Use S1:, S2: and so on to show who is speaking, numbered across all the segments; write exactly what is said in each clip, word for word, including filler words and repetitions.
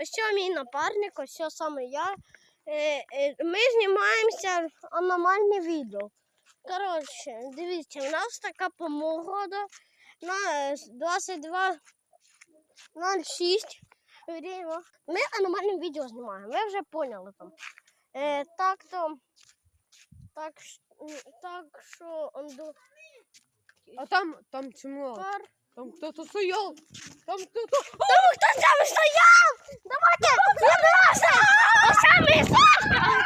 S1: Ось мій напарник, ось саме я. Ми знімаємося аномальне відео. Коротше, дивіться, у нас така погода на двадцять два ноль шість. Ми аномальне відео знімаємо, ви вже поняли там. Е, так то, так, так що он до...
S2: А там, там чмо?
S1: Кар...
S2: Там кто-то стоял. Там кто-то...
S1: Там кто там стоял? Давайте, забирайся! А сами Сашка!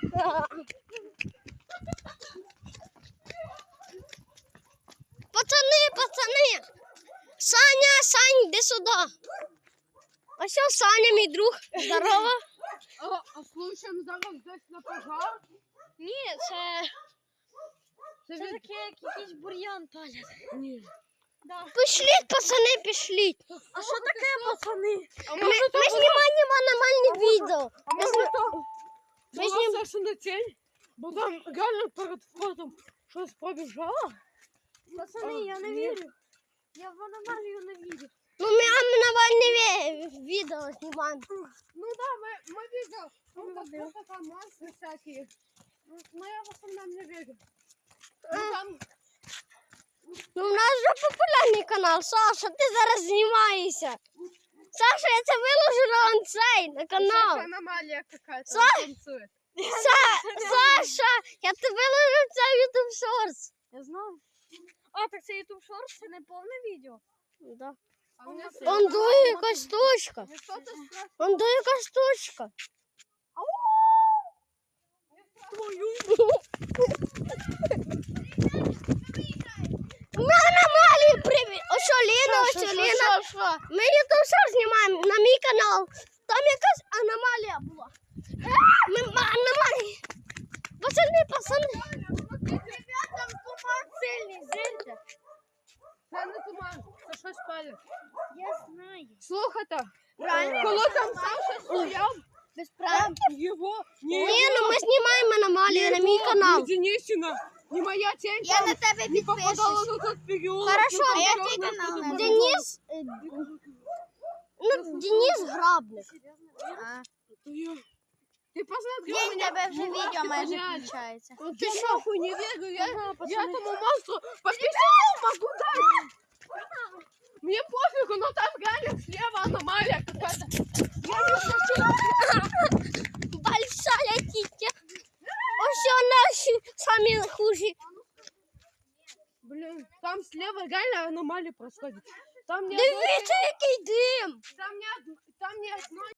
S1: Пацаны, пацаны! Саня, Сань, иди сюда. А все, Саня, мой друг. Здорово.
S2: А, а случаем зараз десь на пожар?
S1: Ні, це...
S2: Це
S1: Це
S2: від...
S1: таке, як якийсь бур'ян палять.
S2: Ні.
S1: Да. Пішліть, пацани, пішліть.
S2: А що таке, пацани? А
S1: Ми, ми знімаємо аномальне відео.
S2: А
S1: Ми
S2: може
S1: зні-
S2: то
S1: Ми
S2: була
S1: знім-
S2: Сашина тінь? Бо там реально перед входом щось побіжало.
S1: Пацани, я не
S2: Ні.
S1: вірю. Я в аномалію не вірю. Ну, ми аномальне ві- відео знімаємо.
S2: Ну да, мы, мы видели. Ну, как будто там монстры всякие. Ну, но я в основном не верю. Ну, там...
S1: Ну, у нас вже популярний канал. Саша, ти зараз знімаєшся. Саша, я це виложу на цей, на канал.
S2: Саша аномалия какая-то.
S1: Са-
S2: он танцует.
S1: Са- Саша, я це виложу в цей YouTube Shorts.
S3: Я знаю. А, так це YouTube Shorts, це не повне відео.
S1: Да.
S2: А у меня
S1: Он дує якась штучка.
S2: Не что-то страшное.
S1: Он дує якась штучка. Ми аномалії привіт. Ось що, Ліна, ось що, Ліна. Ми YouTube Shorts знімаємо на мій канал. Там якась аномалія була. Ми аномалії. Пацани, пацани.
S2: Ребята, туман сильный, зельте. Це не туман, це щось палить.
S3: Я знаю.
S2: Слухайте,
S1: Правильно.
S2: коли там Саша стояв,
S1: Без прав.
S2: його...
S1: Ні, ну ми знімаємо аномалію на мій канал.
S2: Ни Денисина, ни моя тень
S1: Я
S2: там
S1: на тебе
S2: не попадала
S1: підпишусь.
S2: на тот переулок.
S1: Хорошо,
S2: ну, там
S1: а я
S2: чёрная
S1: твій канал
S2: что-то
S1: на
S2: было.
S1: Денис, е, ну, Денис Грабник.
S2: Это я. Ты посмотри,
S3: Є
S2: у
S3: в
S2: меня
S3: тебе вже
S2: мурашки
S3: відео майже
S2: гоняют.
S3: включається.
S1: Ну ти
S2: Я
S1: що?
S2: нахуй не верю, я, я этому монстру подписать могу дать. Мне пофигу, но там реально слева аномалия какая-то. Я не хочу.
S1: Большая тітя. Ось наші самі хужі.
S2: Блин, там слева реально аномалия происходит. Там не
S1: Дивіться, який дим.
S2: Там не одно, там не одно